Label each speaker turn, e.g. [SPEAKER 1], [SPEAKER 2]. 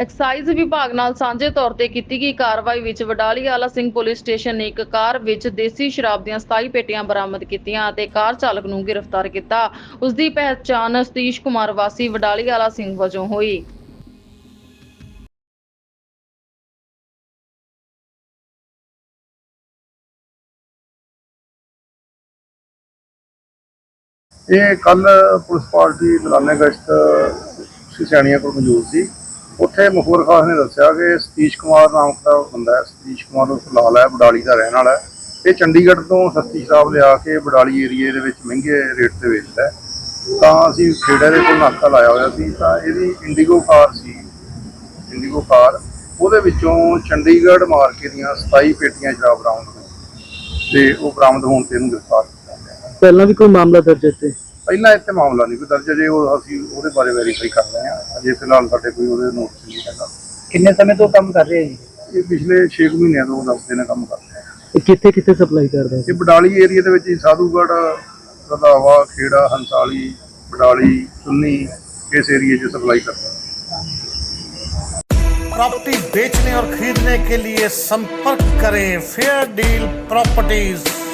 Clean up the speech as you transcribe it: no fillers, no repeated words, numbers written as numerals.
[SPEAKER 1] Exercise ਵਿਭਾਗ ਨਾਲ ਸਾਂਝੇ ਤੌਰ ਤੇ ਕੀਤੀ ਗਈ ਕਾਰਵਾਈ ਵਿੱਚ ਵਡਾਲੀ ਆਲਾ ਸਿੰਘ ਪੁਲਿਸ ਸਟੇਸ਼ਨ ਨੇ ਇੱਕ ਕਾਰ ਵਿੱਚ ਦੇਸੀ ਸ਼ਰਾਬ ਦੀਆਂ 27 ਪੇਟੀਆਂ ਬਰਾਮਦ ਕੀਤੀਆਂ ਅਤੇ ਕਾਰ ਚਾਲਕ ਨੂੰ ਗ੍ਰਿਫਤਾਰ ਕੀਤਾ। ਉਸ ਦੀ ਪਹਿਚਾਣ ਸਤੀਸ਼ ਕੁਮਾਰ ਵਾਸੀ ਵਡਾਲੀ ਆਲਾ ਸਿੰਘ ਵਜੋਂ ਹੋਈ।
[SPEAKER 2] ਇਹ ਕੱਲ ਪੁਲਿਸ ਪਾਰਟੀ ਦੌਰਾਨੇ ਗਸ਼ਤ ਸਿਆਣੀਆਂ ਕੋਲ ਮੌਜੂਦ ਸੀ। ਉੱਥੇ ਮੁਖਬਰ ਖਾਸ ਨੇ ਦੱਸਿਆ ਕਿ ਸਤੀਸ਼ ਕੁਮਾਰ ਨਾਮ ਦਾ ਬੰਦਾ ਹੈ। ਸਤੀਸ਼ ਕੁਮਾਰ ਉਹ ਫਿਲਹਾਲ ਹੈ, ਬਡਾਲੀ ਦਾ ਰਹਿਣ ਵਾਲਾ ਹੈ। ਇਹ ਚੰਡੀਗੜ੍ਹ ਤੋਂ ਸਸਤੀ ਸ਼ਰਾਬ ਲਿਆ ਕੇ ਬਡਾਲੀ ਏਰੀਏ ਦੇ ਵਿੱਚ ਮਹਿੰਗੇ ਰੇਟ ਤੇ ਵੇਚਦਾ ਹੈ। ਤਾਂ ਅਸੀਂ ਖੇੜੇ ਦੇ ਕੋਲ ਨਾਕਾ ਲਾਇਆ ਹੋਇਆ ਸੀ, ਤਾਂ ਇਹਦੀ ਇੰਡੀਗੋ ਕਾਰ ਸੀ, ਇੰਡੀਗੋ ਕਾਰ, ਉਹਦੇ ਵਿੱਚੋਂ ਚੰਡੀਗੜ੍ਹ ਮਾਰਕੇ ਦੀਆਂ 27 ਪੇਟੀਆਂ ਸ਼ਰਾਬ ਬਰਾਮਦ ਹੋਈਆਂ ਤੇ ਉਹ ਬਰਾਮਦ ਹੋਣ ਤੇ ਇਹਨੂੰ ਗ੍ਰਿਫਤਾਰ ਕੀਤਾ ਗਿਆ।
[SPEAKER 3] ਪਹਿਲਾਂ ਵੀ ਕੋਈ ਮਾਮਲਾ ਦਰਜ ਹੈ?
[SPEAKER 2] ਪਹਿਲਾਂ ਇੱਥੇ ਮਾਮਲਾ ਨਹੀਂ ਕੋਈ ਦਰਜ, ਜੇ ਉਹ ਅਸੀਂ ਉਹਦੇ ਬਾਰੇ ਵੈਰੀਫਾਈ ਕਰ ਰਹੇ ਹਾਂ। ਅਜੇ ਫਿਲਹਾਲ ਸਾਡੇ ਕੋਈ ਉਹਦੇ ਨੋਟਿਸ ਨਹੀਂ ਹੈਗਾ।
[SPEAKER 3] ਕਿੰਨੇ ਸਮੇਂ ਤੋਂ ਕੰਮ ਕਰ ਰਹੇ ਹੈ ਜੀ?
[SPEAKER 2] ਇਹ ਪਿਛਲੇ 6 ਮਹੀਨਿਆਂ ਤੋਂ ਦੱਸਦੇ ਨੇ ਕੰਮ ਕਰ ਰਹੇ ਆ।
[SPEAKER 3] ਕਿੱਥੇ ਕਿੱਥੇ ਸਪਲਾਈ ਕਰਦੇ
[SPEAKER 2] ਇਹ ਬਡਾਲੀ ਏਰੀਆ ਦੇ ਵਿੱਚ ਹੀ ਸਾਧੂਗੜ੍ਹ, ਰੰਧਾਵਾ, ਖੇੜਾ, ਹੰਸਾਲੀ, ਬਡਾਲੀ, ਚੁੰਨੀ, ਇਸ ਏਰੀਏ 'ਚ सप्लाई करते हैं।
[SPEAKER 4] प्रॉपर्टी बेचने और खरीदने के लिए संपर्क करें फेयर डील प्रॉपर्टीज।